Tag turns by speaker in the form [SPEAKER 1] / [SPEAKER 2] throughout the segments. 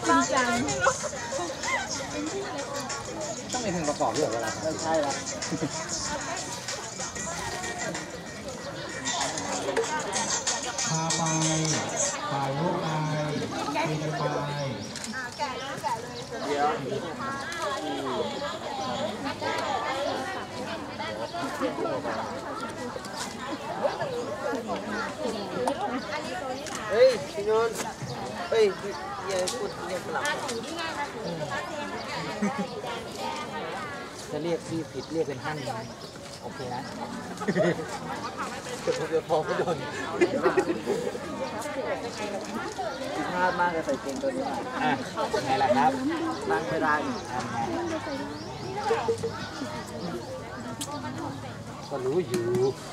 [SPEAKER 1] จริงจัง
[SPEAKER 2] ต้องมีเพลงประกอบด้วยเวลาไม่ใช่ละ
[SPEAKER 3] พาไปถ่ายรูปไปคุยกันไป
[SPEAKER 2] เดี๋ยวเฮ้ยพี่นนท์เฮ้ยอย่าพูดเรียกหลับจะเรียกพี่ผิดเรียกเป็นท่านโอเคนะเดี๋ยวพอไม่โดนพลาดมากเลยใส่เกงตัวนี้อ่ะไงล่ะครับนั่งไม่ได้ก็รู้อยู่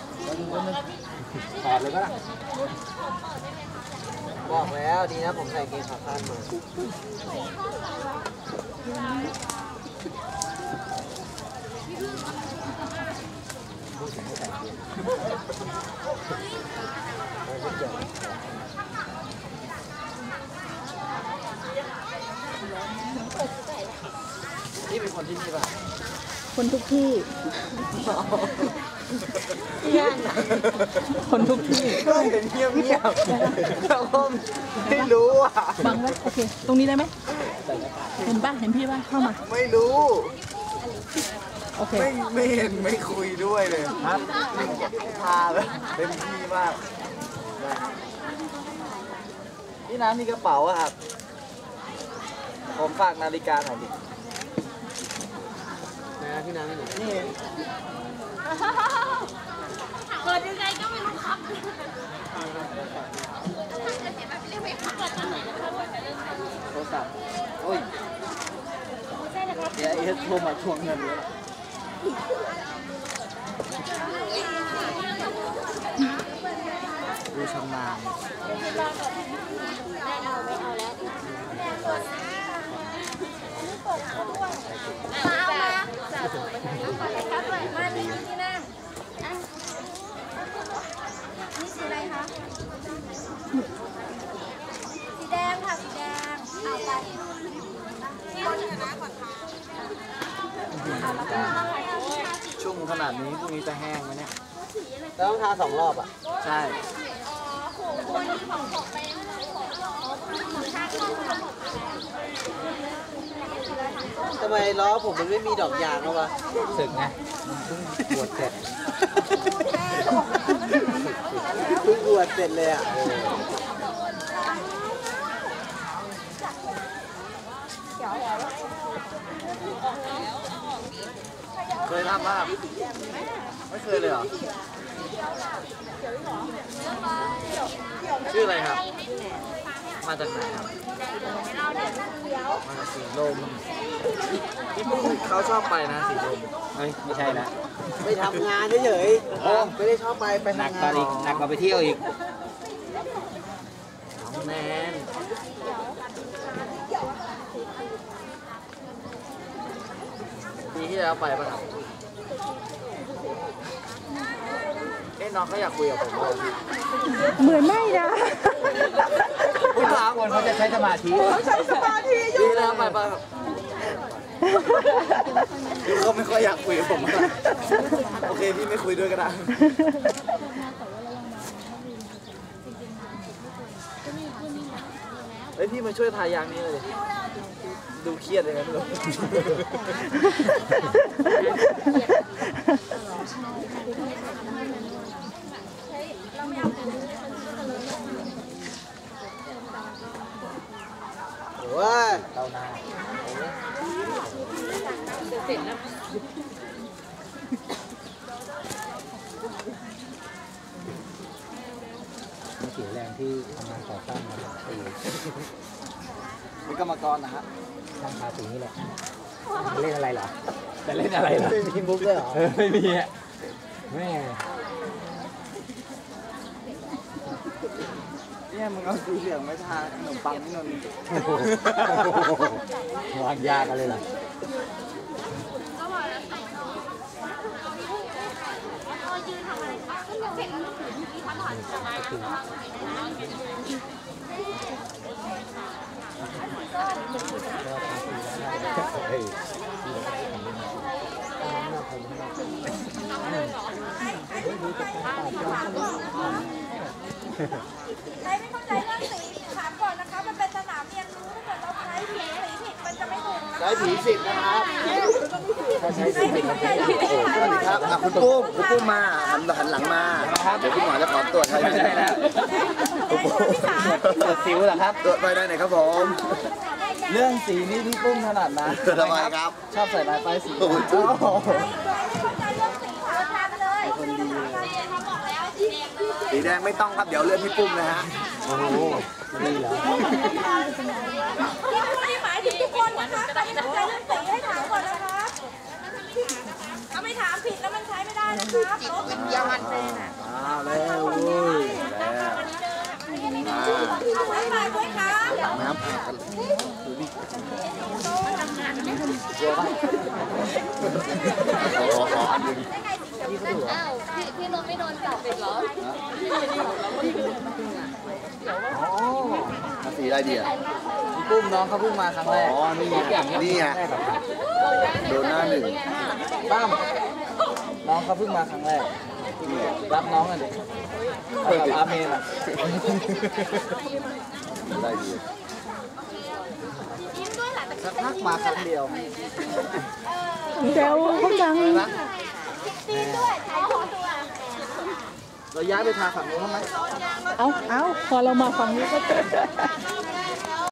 [SPEAKER 2] ถอดเลยก็ได้บอกแล้วดีนะผมใส่เกงขาสั้นมานี่เป็นคนที่นี่ป่ะ
[SPEAKER 1] คนทุกที่ย่านคนทุกที่
[SPEAKER 2] ก็เห็นเงียบเงียบแล้วก็ไม่รู้อ่ะ
[SPEAKER 1] บังไว้โอเคตรงนี้ได้ไหมเห็นป่ะเห็นพี่ป่ะเข้ามา
[SPEAKER 2] ไม่รู้
[SPEAKER 1] โอเค
[SPEAKER 2] ไม่เห็นไม่คุยด้วยเลยครับพาเลยเต็มที่มากพี่น้ำมีกระเป๋าอะครับผมฝากนาฬิกาหน่อยดินะพี่น้ำนี่
[SPEAKER 4] เปิดยังไงก็ไม่รู้ครับ
[SPEAKER 2] โทรศัพท์โอ้ยเดี๋ยวเอสโทรมาทวงเงินเลยดูชำนาญ
[SPEAKER 4] มานี่ที่นั่งนี่สีอะไรคะสีแดงค่ะสีแดงเอาไป
[SPEAKER 2] ชุ่มขนาดนี้พรุ่งนี้จะแห้งไหมเนี่ยต้องทา2 รอบอ่ะใช่ทำไมล้อผมมันไม่มีดอกยางแล้ววะสึกไงมันเพิ่งบวชเสร็จเพิ่งบวชเสร็จเลยอ่ะเคยทำป่ะไม่เคยเลยเหรอชื่ออะไรครับมาจากไหนครับมาจากสีลมที่เขาชอบไปนะสีลมไม่ใช่นะไปทำงานเฉยๆไม่ได้ชอบไปหนักกว่าอีกหนักกว่าไปเที่ยวอีกน้องแนนปีที่แล้วไปป่ะครับน้องเขาอยากคุยกับผมเลย
[SPEAKER 1] เหมือนไม่นะ
[SPEAKER 2] ผู้ชายคนเขาจะใช้สมาธิดีแล้วไปครับพี่ก็ไม่ค่อยอยากคุยกับผมโอเคพี่ไม่คุยด้วยก็ได้เฮ้ยพี่มาช่วยทายางนี้เลยดูเครียดเลยนะทุกคนว้าเต้าหน้าเสร็จแล้วมีเสียแรงที่ทำงานก่อสร้างมาหลายปีเป็นกรรมกรนะฮะทำภาษีนี่แหละเล่นอะไรเหรอจะเล่นอะไรเหรอไม่มีมุกเลยเหรอไม่มีอ่ะแม่เนี่ยมึงเอาสีเหลืองไม่ทาขนมปังนี่นนวางยากันเลยล่ะเฮ้ย
[SPEAKER 4] ใครไม่เข้าใจเรื่องสีถามก่อนนะคะมันเป็นสนามเรียนรู้ถ้าเกิดเราใช้สีผิดมันจะไม่ถูกนะ
[SPEAKER 2] ใช้ผีสิบนะครับถ้าใช้
[SPEAKER 4] ใคร
[SPEAKER 2] สี
[SPEAKER 4] ไม่
[SPEAKER 2] ผิด
[SPEAKER 4] เข้าใจเรื่องสีถามก่อน
[SPEAKER 5] ครับอ่ะคุณปุ้มมาหันหลังมา เดี๋ยวคุณหมอจะขอตรวจให้
[SPEAKER 2] ไม่ใช่แล้ว
[SPEAKER 4] พี่สา
[SPEAKER 2] ตรวจสิวเหรอครับ
[SPEAKER 5] ตรวจไปได้ไหนครับผม
[SPEAKER 2] เรื่องสีนี่พี่ปุ้มถนัดนะ
[SPEAKER 5] ทำไมครับ
[SPEAKER 2] ชอบใส่ลายป้ายสี
[SPEAKER 5] โอ้โห
[SPEAKER 4] ใครไม่เข้าใจเรื่องสีถามทางเลยคนดีเขาบอกแล้วสีแดงเลย
[SPEAKER 5] สีแดงไม่ต้องครับ เดี๋ยวเลือกพี่ปุ้มนะฮะ
[SPEAKER 2] โอ้โหดีเหรอ
[SPEAKER 4] ที่หมายถึงทุกคนนะคะใครไม่เข้าใจเรื่องสีให้ถามก่อนนะคะถ้าไม่ถามผิดแล้วมันใช้ไม่ได้นะครับรถเป็นยามันเซนอ่ะ
[SPEAKER 2] แล้วเว้ยแล้ว
[SPEAKER 4] เอาไว้ไปด้วยค่ะ
[SPEAKER 5] น้ำ ขออันหนึ่ง
[SPEAKER 4] อ้าวพี่นนท์ไม่โดนจับอีกเหรอ
[SPEAKER 2] อ๋อ
[SPEAKER 5] สีอะไรดีอ่ะ
[SPEAKER 2] พี่ปุ้มน้องเขาเพิ่งมาครั้งแรก
[SPEAKER 5] อ๋อนี่ไง
[SPEAKER 2] อย่างเงี้ย
[SPEAKER 5] นี่ไง
[SPEAKER 2] ครั้งแรกครับ
[SPEAKER 5] โดนหน้าหนึ่ง
[SPEAKER 2] ป้ามน้องเขาเพิ่งมาครั้งแรกรับน้องกันดิกับอาเมนอ่ะ
[SPEAKER 5] ได้ดี
[SPEAKER 4] ยิ้มด้วยหล่ะแต่
[SPEAKER 2] สักพักมาครั้งเดียว
[SPEAKER 1] เดี๋ยวเขาจัง
[SPEAKER 4] ตีนด้วยถ่ายรูปตัว
[SPEAKER 2] เราย้ายไปทางฝั่งนู้นไหม
[SPEAKER 1] เอาพอเรามาฝั่งนี้ก็